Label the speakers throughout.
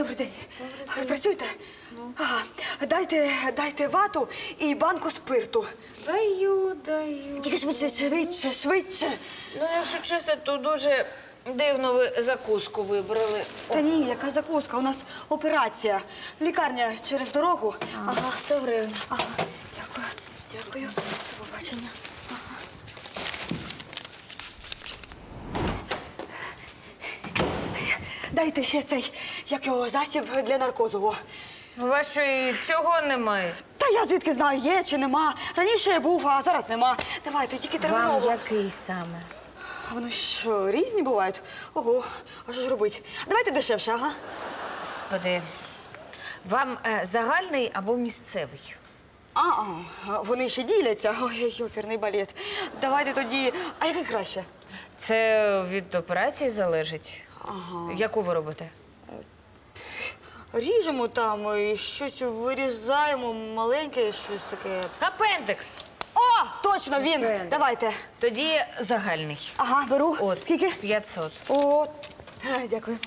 Speaker 1: Добрий день. Ви працюєте? Ага. Дайте вату і банку спирту.
Speaker 2: Даю.
Speaker 1: Тільки швидше.
Speaker 2: Ну, якщо чесно, то дуже дивно ви закуску вибрали.
Speaker 1: Та ні, яка закуска, у нас операція. Лікарня через дорогу.
Speaker 2: Ага, 100 гривень.
Speaker 1: Ага, дякую. До побачення. Дайте ще цей, як його, засіб для наркозу.
Speaker 2: У вас що, і цього немає?
Speaker 1: Та я звідки знаю, є чи нема. Раніше я був, а зараз нема. Давайте, тільки терміново.
Speaker 2: Вам який саме?
Speaker 1: А вони що, різні бувають? Ого, а що ж робити? Давайте дешевше, ага.
Speaker 2: Господи, вам загальний або місцевий?
Speaker 1: Вони ще діляться. Ой, оперний балет. Давайте тоді, а який краще?
Speaker 2: Це від операції залежить.
Speaker 1: Ага.
Speaker 2: Яку ви робите?
Speaker 1: Ріжемо там, і щось вирізаємо, маленьке, щось таке.
Speaker 2: Апендекс.
Speaker 1: О, точно, він.
Speaker 2: Апендекс.
Speaker 1: Давайте.
Speaker 2: Тоді загальний.
Speaker 1: Ага, беру.
Speaker 2: От.
Speaker 1: Скільки?
Speaker 2: 500.
Speaker 1: О, дякую.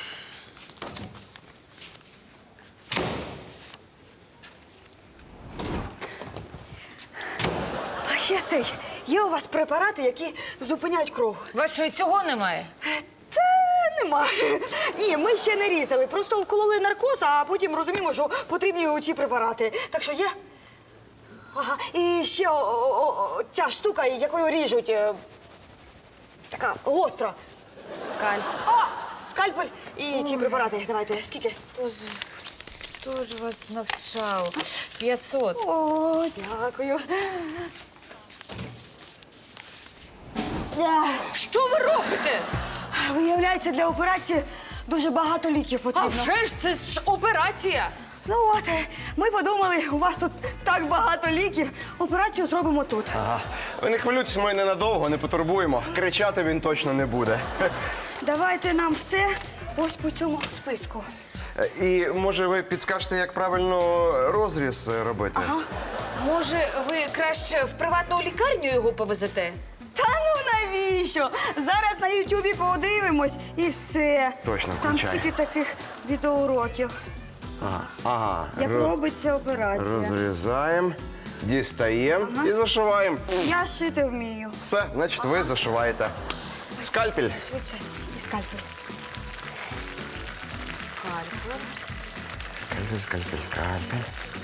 Speaker 1: А ще цей, є у вас препарати, які зупиняють кров?
Speaker 2: У вас що, і цього немає?
Speaker 1: Та нема. Ні, ми ще не різали, просто вкололи наркоз, а потім розуміємо, що потрібні ці препарати. Так що є? Ага, і ще ця штука, якою ріжуть, така гостра.
Speaker 2: Скаль.
Speaker 1: О! Скальпель і ці препарати. Давайте, скільки?
Speaker 2: Хто ж вас навчав? 500.
Speaker 1: О, дякую.
Speaker 2: Що ви робите?
Speaker 1: Виявляється, для операції дуже багато ліків
Speaker 2: А
Speaker 1: потрібно.
Speaker 2: вже ж це ж операція.
Speaker 1: Ну от, ми подумали, у вас тут так багато ліків, операцію зробимо тут.
Speaker 3: Ага. Ви не хвилюйтесь, ми ненадовго, не потурбуємо. Кричати він точно не буде.
Speaker 1: Давайте нам все ось по цьому списку.
Speaker 3: І може ви підскажете, як правильно розріз робити?
Speaker 1: Ага.
Speaker 2: Може, ви краще в приватну лікарню його повезете?
Speaker 1: Та ну навіщо? Зараз на Ютубі подивимось і все.
Speaker 3: Точно,
Speaker 1: Там
Speaker 3: включай.
Speaker 1: стільки таких відеоуроків,
Speaker 3: Ага.
Speaker 1: як робиться операція.
Speaker 3: Розрізаємо, дістаємо і зашиваємо.
Speaker 1: Я шити вмію.
Speaker 3: Все, значить, ви зашиваєте. Скальпель.
Speaker 1: Швидше. І скальпель.
Speaker 2: Скальпель.
Speaker 3: Скальпель.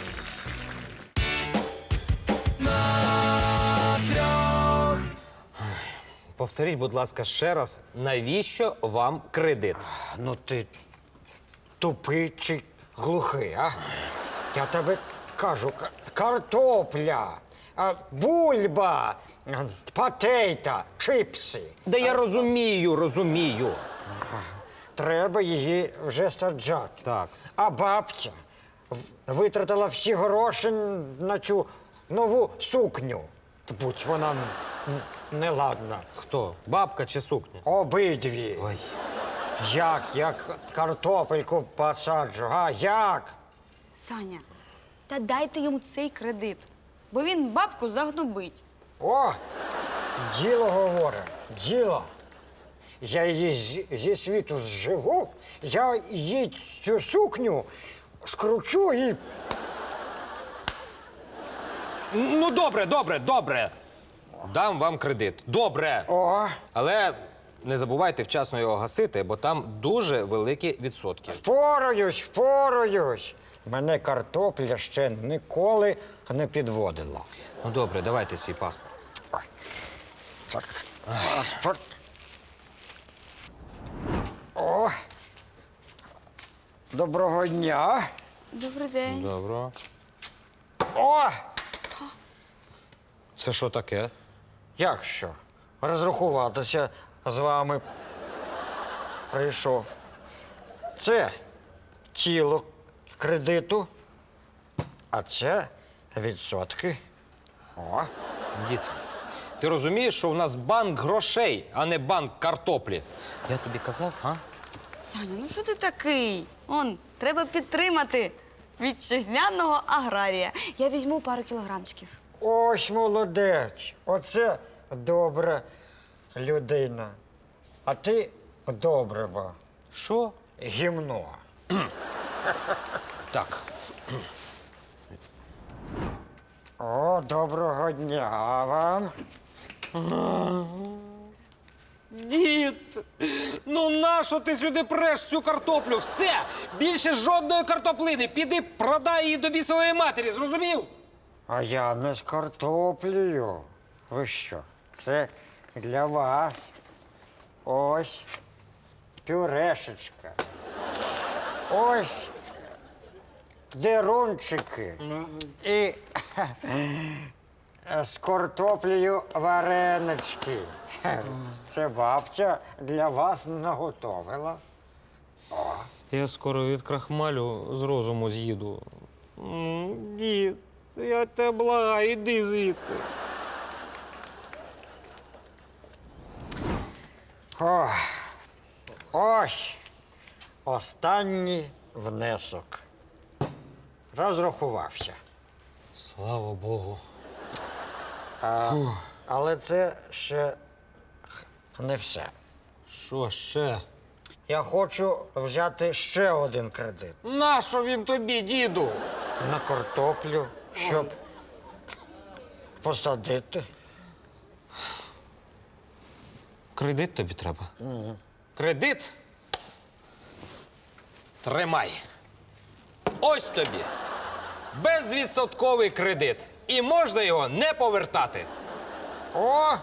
Speaker 4: Повторіть, будь ласка, ще раз, навіщо вам кредит?
Speaker 5: Ну ти тупий чи глухий, а? Я тебе кажу, картопля, бульба, патейта, чипси.
Speaker 4: Да я розумію.
Speaker 5: Треба її вже саджати.
Speaker 4: Так.
Speaker 5: А бабця витратила всі гроші на цю нову сукню. Будь вона неладна.
Speaker 4: Хто? Бабка чи сукня?
Speaker 5: Обидві.
Speaker 4: Ой.
Speaker 5: Як картопельку посаджу, а як?
Speaker 1: Саня, та дайте йому цей кредит, бо він бабку загнобить.
Speaker 5: О, діло говорить, діло. Я її зі світу зживу, я їй цю сукню скручу і...
Speaker 4: Ну, добре. Дам вам кредит. Добре.
Speaker 5: О,
Speaker 4: Але не забувайте вчасно його гасити, бо там дуже великі відсотки.
Speaker 5: впораюсь. Мене картопля ще ніколи не підводила.
Speaker 4: Ну, добре, давайте свій паспорт.
Speaker 5: Так, паспорт. О, доброго дня.
Speaker 1: Добрий день.
Speaker 4: Добре.
Speaker 5: О,
Speaker 4: Це що таке?
Speaker 5: як що? Розрахуватися з вами прийшов. Це тіло кредиту, а це відсотки. О,
Speaker 4: Дід, ти розумієш, що у нас банк грошей, а не банк картоплі? Я тобі казав, а?
Speaker 1: Саня, ну що ти такий? Треба підтримати вітчизняного аграрія. Я візьму пару кілограмчиків.
Speaker 5: ось молодець. Оце добра людина. А ти добрива.
Speaker 4: Що?
Speaker 5: Гімно.
Speaker 4: Так.
Speaker 5: О, доброго дня вам.
Speaker 4: Дід, ну нащо ти сюди преш цю картоплю? Все! Більше жодної картоплини. Піди продай її до бісової матері, зрозумів?
Speaker 5: А я не з картоплею. Ви що? Це для вас. Ось пюрешечка. Ось дерунчики. І з картоплею варенички. Це бабця для вас наготовила.
Speaker 4: Я скоро від крахмалю з розуму з'їду. Дід, я тебе благаю, іди звідси.
Speaker 5: О, ось останній внесок. Розрахувався.
Speaker 4: Слава Богу.
Speaker 5: Але це ще не все.
Speaker 4: Що ще?
Speaker 5: Я хочу взяти ще один кредит
Speaker 4: Нащо він тобі, діду?
Speaker 5: на картоплю, щоб посадити.
Speaker 4: Кредит тобі треба? Кредит? Тримай. Ось тобі. Безвідсотковий кредит. І можна його не повертати.
Speaker 5: О!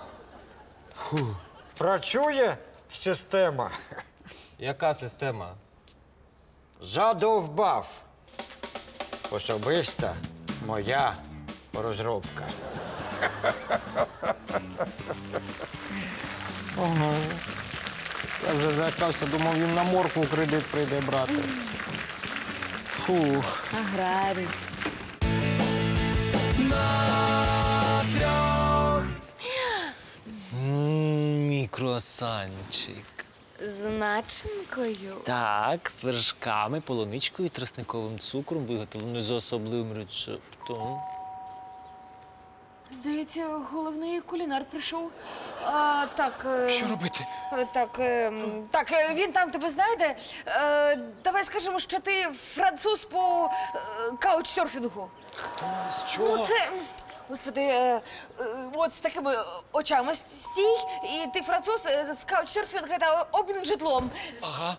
Speaker 5: Працює система.
Speaker 4: Яка система?
Speaker 5: Задовбав. Особиста моя розробка.
Speaker 4: Я вже залякався, думав, він на моркву кредит прийде брати. Фух.
Speaker 1: Аграрій.
Speaker 6: Мій круасанчик.
Speaker 2: З начинкою.
Speaker 6: Так, з вершками, полуничкою і тростниковим цукром, виготовлений за особливим рецептом.
Speaker 2: Здається, головний кулінар прийшов. Так.
Speaker 6: Що робити?
Speaker 2: Він там тебе знайде. Давай скажемо, що ти француз по каучсерфінгу.
Speaker 6: Хто? З чого?
Speaker 2: Ну, це. Господи, от з такими очами стій, і ти француз з каучсерфінга та обмін житлом.
Speaker 6: Ага.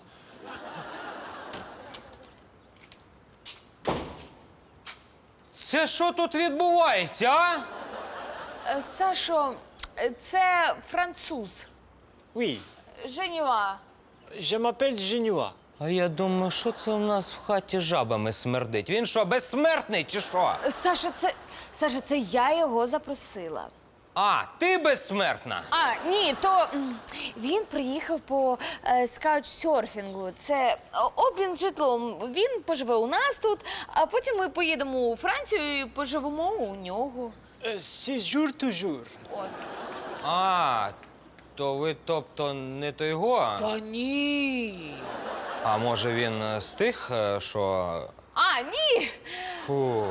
Speaker 4: Це що тут відбувається, а?
Speaker 2: Сашо, це француз.
Speaker 6: Oui,
Speaker 2: Женюа.
Speaker 6: je m'appelle Genua.
Speaker 4: А я думаю, що це у нас в хаті жабами смердить? Він що, безсмертний чи що?
Speaker 2: Саша, це я його запросила.
Speaker 4: А, ти безсмертна?
Speaker 2: Ні, то він приїхав по скаучсерфінгу. Це обмін житлом. Він поживе у нас тут, а потім ми поїдемо у Францію і поживемо у нього.
Speaker 6: Séjour toujours.
Speaker 2: От.
Speaker 4: А, то ви, тобто, не той го?
Speaker 2: Та ні.
Speaker 4: А може він з тих, що.
Speaker 2: Ні.
Speaker 4: Фу.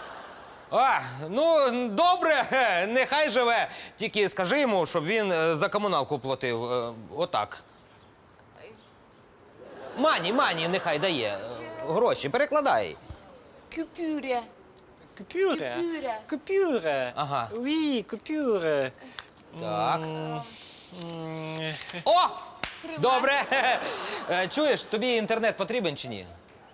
Speaker 4: Ну, добре, нехай живе. Тільки скажи йому, щоб він за комуналку платив. Отак. Мані, нехай дає. Гроші, перекладай.
Speaker 2: Купюря.
Speaker 6: Coupure.
Speaker 2: Coupure.
Speaker 6: Coupure.
Speaker 4: Ага.
Speaker 6: Oui, coupure.
Speaker 4: Так. О! Добре. Чуєш, тобі інтернет потрібен чи ні?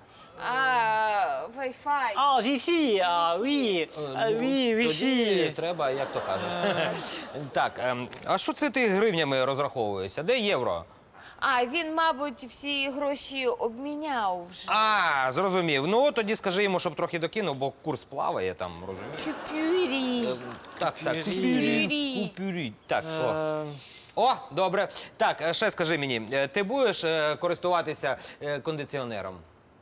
Speaker 2: Wi-Fi.
Speaker 6: Ah, Wi-Fi. Ah, oui. Ah, oui,
Speaker 4: Тоді
Speaker 6: Wi-Fi.
Speaker 4: треба, як то кажуть. Так, а що це ти гривнями розраховуєшся? Де євро?
Speaker 2: Він, мабуть, всі гроші обміняв вже.
Speaker 4: Зрозумів. Ну, тоді скажи йому, щоб трохи докинув, бо курс плаває там, розумієш?
Speaker 2: Купюрі.
Speaker 4: Так,
Speaker 2: Купюрі.
Speaker 4: Купюрі. Так, о, добре. Так, ще скажи мені, ти будеш користуватися кондиціонером?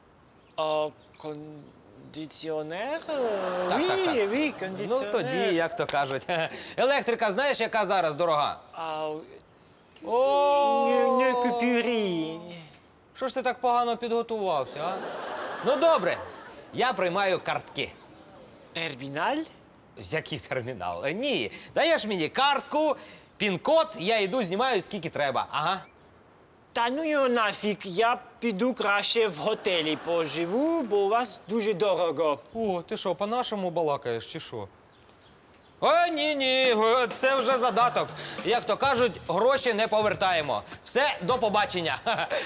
Speaker 6: Кондиціонер?
Speaker 4: Так,
Speaker 6: Oui,
Speaker 4: так.
Speaker 6: oui,
Speaker 4: Ну,
Speaker 6: кондиціонер.
Speaker 4: тоді, як то кажуть. Електрика, знаєш, яка зараз дорога?
Speaker 6: Ah,
Speaker 4: О,
Speaker 6: не купюрі.
Speaker 4: що ж ти так погано підготувався, а? Ну, добре, я приймаю картки.
Speaker 6: Терміналь?
Speaker 4: Який термінал? Ні, даєш мені картку, пін-код, я йду, знімаю скільки треба. Ага.
Speaker 6: Та ну його нафіг, я піду краще в готелі поживу, бо у вас дуже дорого.
Speaker 4: О, ти що, по-нашому балакаєш чи що? О, ні, це вже задаток. Як то кажуть, гроші не повертаємо. Все, до побачення.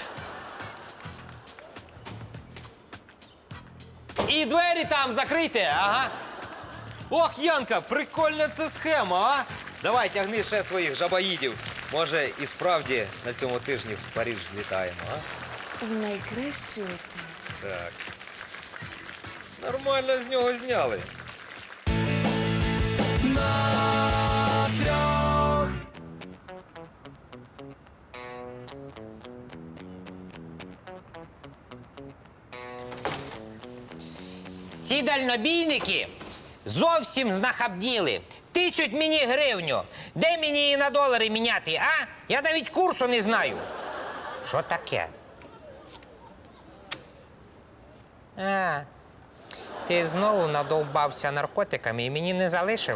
Speaker 4: І двері там закрийте, ага. Ох, Янка, прикольна це схема, а? Давай, тягни ще своїх жабаїдів. Може, і справді на цьому тижні в Париж злітаємо, а?
Speaker 2: В найкращий отель.
Speaker 4: Так. Нормально з нього зняли.
Speaker 7: Ці дальнобійники зовсім знахабніли. Тичуть мені гривню. Де мені її на долари міняти, а? Я навіть курсу не знаю. Що таке? А, ти знову надовбався наркотиками і мені не залишив?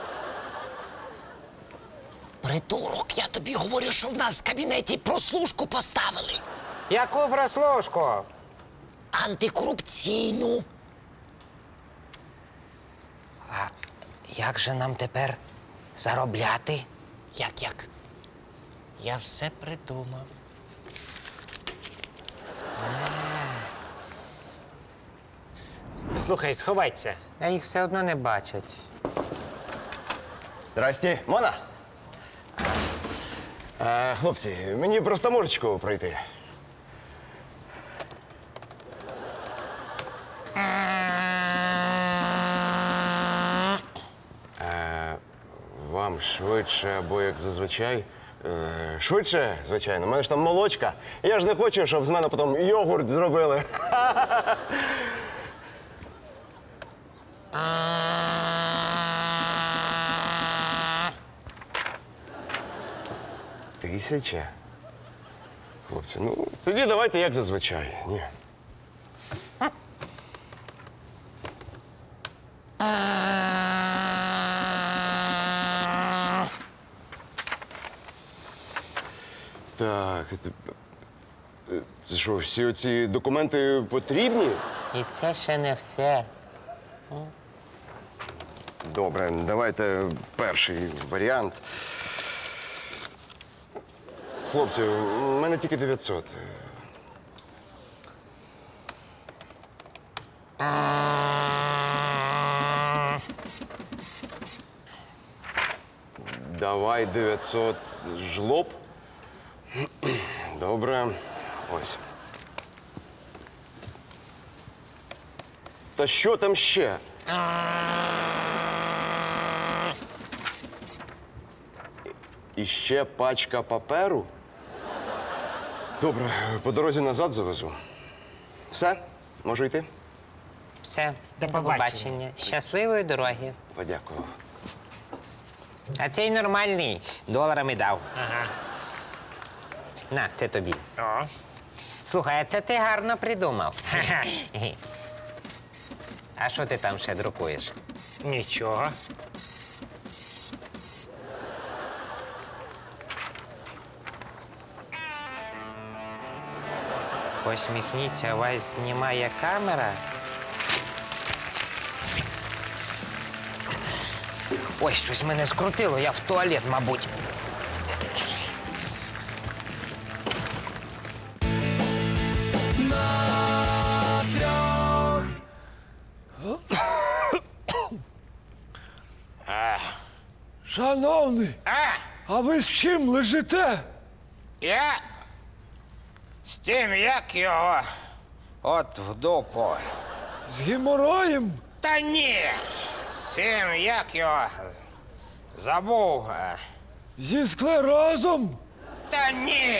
Speaker 8: Придурок, я тобі говорю, що в нас в кабінеті прослушку поставили.
Speaker 7: Яку прослушку?
Speaker 8: Антикорупційну.
Speaker 7: А як же нам тепер заробляти?
Speaker 8: Як?
Speaker 7: Я все придумав.
Speaker 6: Слухай, сховайся.
Speaker 7: А їх все одно не бачать.
Speaker 3: Здрасте, Мона. Хлопці, мені просто можечку пройти. Вам швидше або як зазвичай. Швидше, звичайно. У мене ж там молочка. Я ж не хочу, щоб з мене потім йогурт зробили. Тисяча? Хлопці, ну тоді давайте як зазвичай. Ні. Так, це що, всі оці документи потрібні?
Speaker 7: І це ще не все.
Speaker 3: Добре, давайте перший варіант. Хлопці, у мене тільки 900. Давай 900 жлоб. Добре. Ось. Та що там ще? І ще пачка паперу. Добре, по дорозі назад завезу. Все? Можу йти?
Speaker 7: Все,
Speaker 6: До побачення.
Speaker 7: Щасливої дороги.
Speaker 3: Подякую.
Speaker 7: А цей нормальний. Доларами дав.
Speaker 6: Ага.
Speaker 7: На, це тобі.
Speaker 6: О.
Speaker 7: Слухай, а це ти гарно придумав. А що ти там ще друкуєш?
Speaker 6: Нічого.
Speaker 7: Посміхніться, вас знімає камера. Ой, щось мене скрутило, я в туалет, мабуть.
Speaker 9: Шановний, а ви з чим лежите?
Speaker 7: Я з тим, як його от в дупу.
Speaker 9: З геморроєм?
Speaker 7: Та ні, з тим, як його забув.
Speaker 9: Зі склерозом?
Speaker 7: Та ні.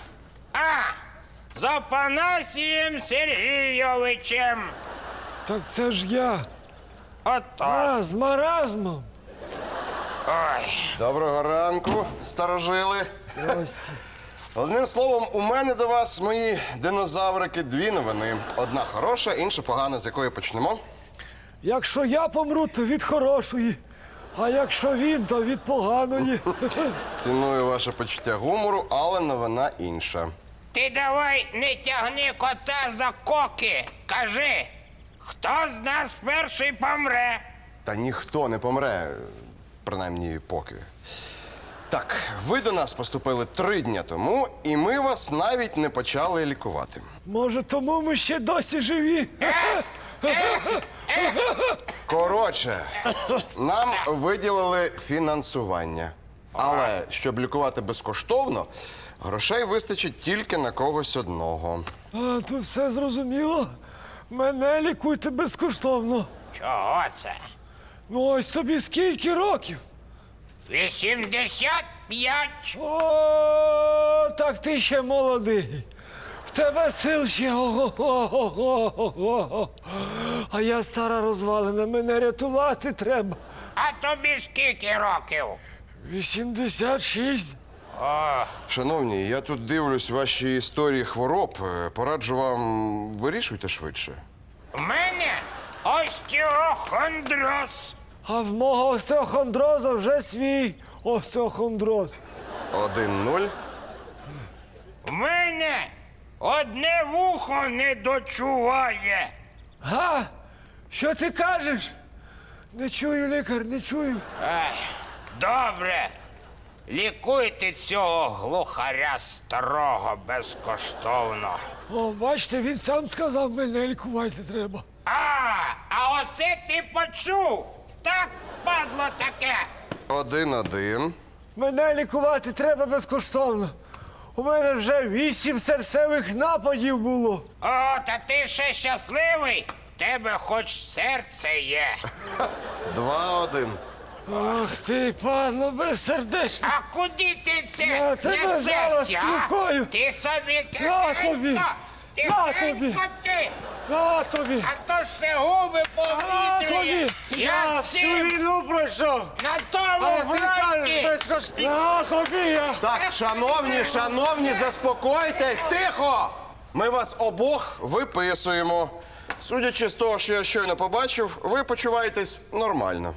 Speaker 7: З Опанасієм Сергійовичем.
Speaker 9: Так це ж я.
Speaker 7: Ото.
Speaker 9: З маразмом.
Speaker 7: Ой.
Speaker 3: Доброго ранку, старожили.
Speaker 9: Ось.
Speaker 3: Одним словом, у мене до вас, мої динозаврики, дві новини. Одна хороша, інша погана, з якої почнемо.
Speaker 9: Якщо я помру, то від хорошої. А якщо він, то від поганої.
Speaker 3: Ціную ваше почуття гумору, але новина інша.
Speaker 7: Ти давай не тягни кота за коки. Кажи, хто з нас перший помре?
Speaker 3: Та ніхто не помре, принаймні поки. Так, ви до нас поступили 3 дні тому, і ми вас навіть не почали лікувати.
Speaker 9: Може, тому ми ще досі живі?
Speaker 3: Коротше, нам виділили фінансування. Але щоб лікувати безкоштовно, грошей вистачить тільки на когось одного.
Speaker 9: А, тут все зрозуміло. Мене лікуйте безкоштовно.
Speaker 7: Чого це?
Speaker 9: Ну ось тобі скільки років?
Speaker 7: 85.
Speaker 9: О, так ти ще молодий. В тебе сил ще ого-го-го-го. А я стара розвалена, мене рятувати треба.
Speaker 7: А тобі скільки років?
Speaker 9: 86.
Speaker 3: Шановні, я тут дивлюсь ваші історії хвороб. Пораджу вам, вирішуйте швидше.
Speaker 7: У мене остеохондроз.
Speaker 9: А в мого остеохондроза вже свій остеохондроз.
Speaker 3: 1-0.
Speaker 7: У мене одне вухо не дочуває.
Speaker 9: Га? Що ти кажеш? Не чую, лікар, не чую.
Speaker 7: Добре. Лікуйте цього глухаря старого безкоштовно.
Speaker 9: О, бачите, він сам сказав, мене лікувати треба.
Speaker 7: А оце ти почув? Так, падло таке.
Speaker 3: 1-1.
Speaker 9: Мене лікувати треба безкоштовно. У мене вже 8 серцевих нападів було.
Speaker 7: О, та ти ще щасливий? В тебе хоч серце є.
Speaker 3: 2-1.
Speaker 9: Ах ти, падло безсердечне.
Speaker 7: А куди ти це
Speaker 9: Я тебе зараз
Speaker 7: несешся? а?
Speaker 9: спілкую.
Speaker 7: Ти собі
Speaker 9: На тобі!
Speaker 7: тихенько,
Speaker 9: На
Speaker 7: тихенько
Speaker 9: тобі!
Speaker 7: ти.
Speaker 9: На тобі!
Speaker 7: А то ще губи
Speaker 9: На
Speaker 7: повітрює.
Speaker 9: тобі!
Speaker 7: Я
Speaker 9: всю
Speaker 7: всім
Speaker 9: війну пройшов!
Speaker 7: на
Speaker 9: А
Speaker 7: тому
Speaker 9: ви кажеш
Speaker 7: фронті.
Speaker 9: безкоштовно! На тобі я!
Speaker 3: Так, шановні, заспокойтесь, тихо! Ми вас обох виписуємо. Судячи з того, що я щойно побачив, ви почуваєтесь нормально.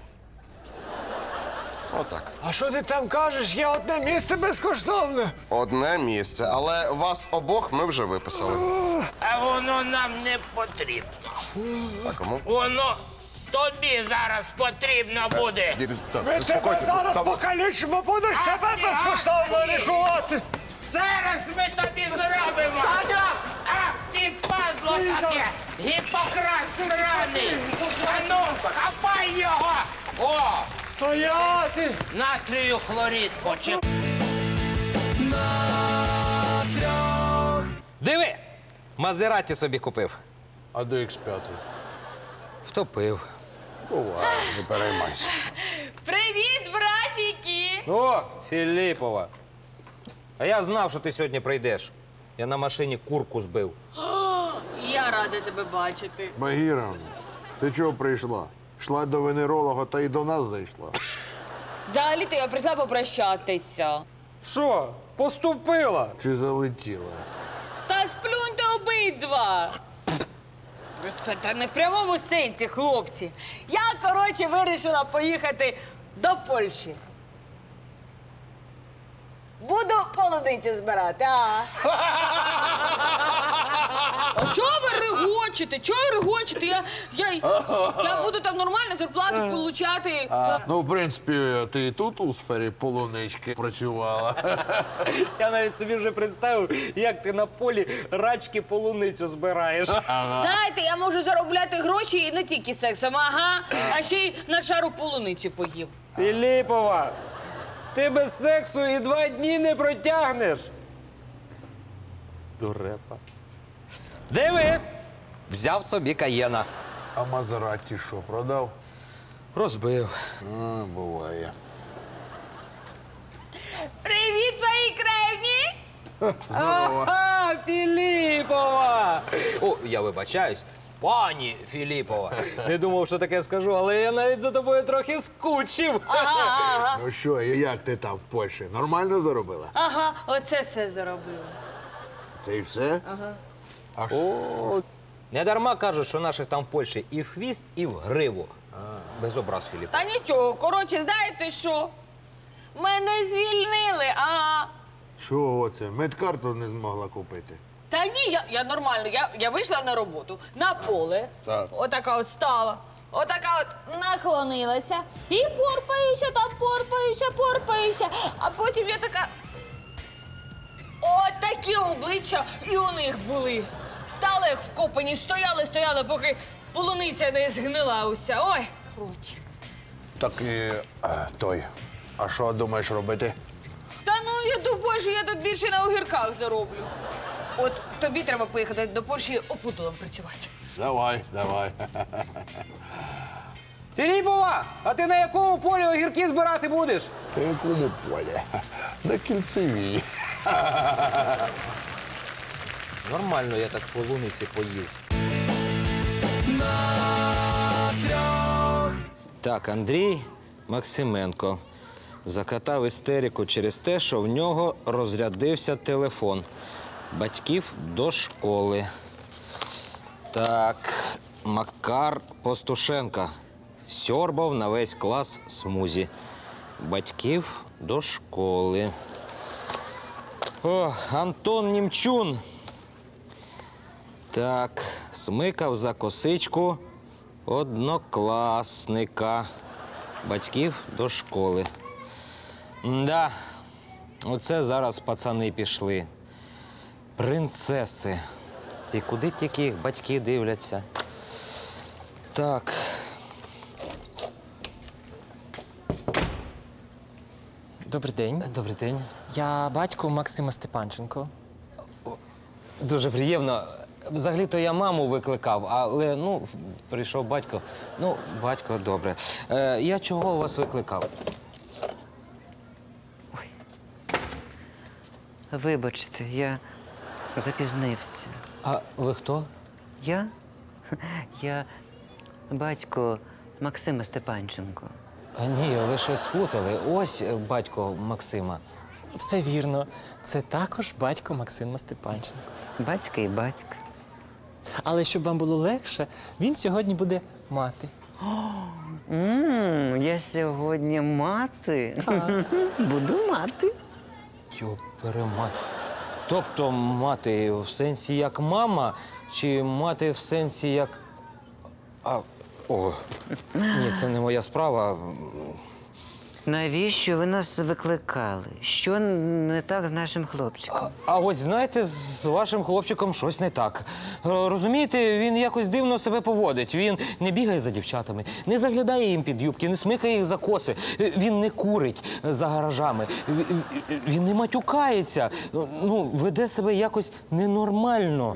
Speaker 3: Отак.
Speaker 9: А що ти там кажеш? Є одне місце безкоштовне.
Speaker 3: Одне місце, але вас обох ми вже виписали.
Speaker 7: А воно нам не потрібно.
Speaker 3: А кому?
Speaker 7: Воно тобі зараз потрібно буде.
Speaker 9: Ми тебе зараз покалічимо, будеш себе безкоштовно лікувати.
Speaker 7: Зараз ми тобі зробимо.
Speaker 3: Таня!
Speaker 7: Ах ти пазло таке! Гіппократ сраний! Ану, хапай його! О!
Speaker 9: Стояти!
Speaker 7: Натрію хлорид почеп.
Speaker 4: Диви! Мазераті собі купив.
Speaker 10: А до X5?
Speaker 4: Втопив.
Speaker 10: Буває, не переймайся.
Speaker 2: Привіт, братіки!
Speaker 4: О, Філіпова. А я знав, що ти сьогодні прийдеш. Я на машині курку збив.
Speaker 2: Я рада тебе бачити.
Speaker 10: Багіровна, ти чого прийшла? Йшла до венеролога та й до нас зайшла.
Speaker 2: Взагалі-то я прийшла попрощатися.
Speaker 4: Що? Поступила?
Speaker 10: Чи залетіла?
Speaker 2: Та сплюньте обидва. Господи, та не в прямому сенсі, хлопці. Я, коротше, вирішила поїхати до Польщі. Буду полуниці збирати, а? А чого ви регочете? Чого ви регочете? Я буду там нормально зарплату получати.
Speaker 10: Ну, в принципі, ти і тут у сфері полунички працювала.
Speaker 4: Я навіть собі вже представив, як ти на полі рачки полуницю збираєш.
Speaker 2: Знаєте, я можу заробляти гроші і не тільки сексом, ага, а ще й на шару полуниці поїв.
Speaker 4: Філіпова, ти без сексу і 2 дні не протягнеш. Дурепа. Диви, взяв собі Каєна.
Speaker 10: А Мазераті що, продав?
Speaker 4: Розбив.
Speaker 10: А, буває.
Speaker 2: Привіт, мої кревні!
Speaker 4: Ага, Філіпова! О, я вибачаюсь. Пані Філіпова. Не думав, що таке скажу, але я навіть за тобою трохи скучив.
Speaker 2: Ага,
Speaker 10: Ну що, і як ти там в Польщі? Нормально заробила?
Speaker 2: ага, оце все заробила.
Speaker 10: Це і все? Ага. А що?
Speaker 4: Не дарма кажуть, що наших там в Польщі і в хвіст, і в гриву. Без образ, Філіп.
Speaker 2: Та нічого, коротше, знаєте що? Мене звільнили, ага.
Speaker 10: Чого це? Медкарту не змогла купити.
Speaker 11: Та ні, я нормально. Я вийшла на роботу, на поле.
Speaker 10: Так.
Speaker 11: Отака от стала. Отака от наклонилася. І порпаюся. А потім я така. От такі обличчя і у них були. Стали як вкопані, стояли, поки полуниця не згнила уся. Ой, коротше.
Speaker 10: Так і той. А що думаєш робити?
Speaker 11: Та ну, я думаю, що я тут більше на огірках зароблю. От тобі треба поїхати до Польщі опутулом працювати.
Speaker 10: Давай.
Speaker 4: Філіпова, а ти на якому полі огірки збирати будеш?
Speaker 10: На якому полі? На кільцевій.
Speaker 4: Нормально я так полуниці поїв. Так, Андрій Максименко закатав істерику через те, що в нього розрядився телефон. Батьків до школи. Так, Макар Постушенка сьорбав на весь клас смузі. Батьків до школи. О, Антон Німчун. Так, смикав за косичку однокласника. Батьків до школи. Да, оце зараз пацани пішли. Принцеси. І куди тільки їх батьки дивляться. Так.
Speaker 6: Добрий день.
Speaker 4: Добрий день.
Speaker 6: Я батько Максима Степанченко.
Speaker 4: Дуже приємно. Взагалі-то я маму викликав, але, прийшов батько. Батько, добре. Я чого вас викликав?
Speaker 12: Вибачте, я запізнився.
Speaker 4: А ви хто?
Speaker 12: Я? Я батько Максима Степанченко.
Speaker 4: Ні, ви щось сплутали. Ось батько Максима.
Speaker 6: Все вірно. Це також батько Максима Степанченко.
Speaker 12: Батька і батька.
Speaker 6: Але щоб вам було легше, він сьогодні буде мати.
Speaker 12: Я сьогодні мати. Буду мати.
Speaker 4: Йоперемать. Тобто мати в сенсі як мама, чи мати в сенсі як. Ні, це не моя справа.
Speaker 12: Навіщо ви нас викликали? Що не так з нашим хлопчиком?
Speaker 4: А ось знаєте, з вашим хлопчиком щось не так. Розумієте, він якось дивно себе поводить. Він не бігає за дівчатами, не заглядає їм під юбки, не смикає їх за коси. Він не курить за гаражами, він не матюкається. Веде себе якось ненормально.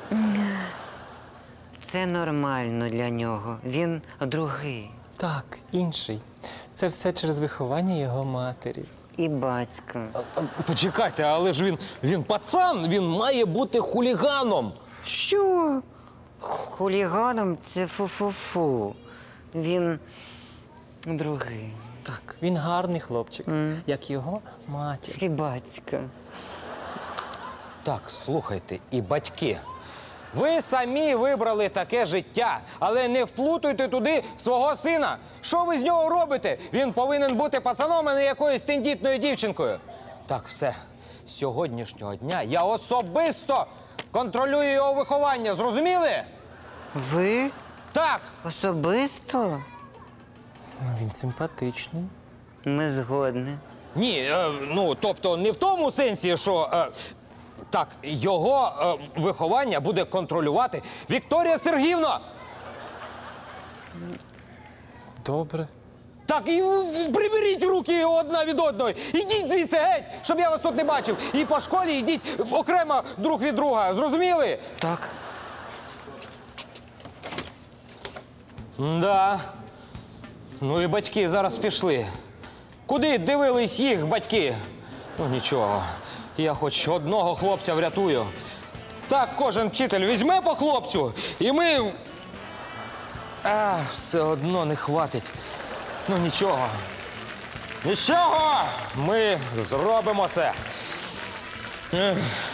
Speaker 12: Це нормально для нього. Він другий.
Speaker 6: Так, інший. Це все через виховання його матері.
Speaker 12: І батька.
Speaker 4: Почекайте, але ж він пацан, він має бути хуліганом.
Speaker 12: Що? Хуліганом це фу-фу-фу. Він другий.
Speaker 6: Так, він гарний хлопчик, як його матір.
Speaker 12: І батька.
Speaker 4: Так, слухайте, і батьки. Ви самі вибрали таке життя, але не вплутуйте туди свого сина. Що ви з нього робите? Він повинен бути пацаном, а не якоюсь тендітною дівчинкою. Так, все. З сьогоднішнього дня я особисто контролюю його виховання. Зрозуміли?
Speaker 12: Ви?
Speaker 4: Так.
Speaker 12: Особисто?
Speaker 6: Він симпатичний.
Speaker 12: Ми згодні.
Speaker 4: Ні, тобто не в тому сенсі, що... Так, його виховання буде контролювати Вікторія Сергіївна.
Speaker 6: Добре.
Speaker 4: Так, і приберіть руки одна від одної. Ідіть звідси геть, щоб я вас тут не бачив. І по школі йдіть окремо друг від друга. Зрозуміли?
Speaker 12: Так.
Speaker 4: Да. Ну і батьки зараз пішли. Куди дивились їх батьки? Нічого. Я хоч одного хлопця врятую. Так кожен вчитель візьме по хлопцю, і ми... все одно не хватить. Нічого. Нічого! Ми зробимо це.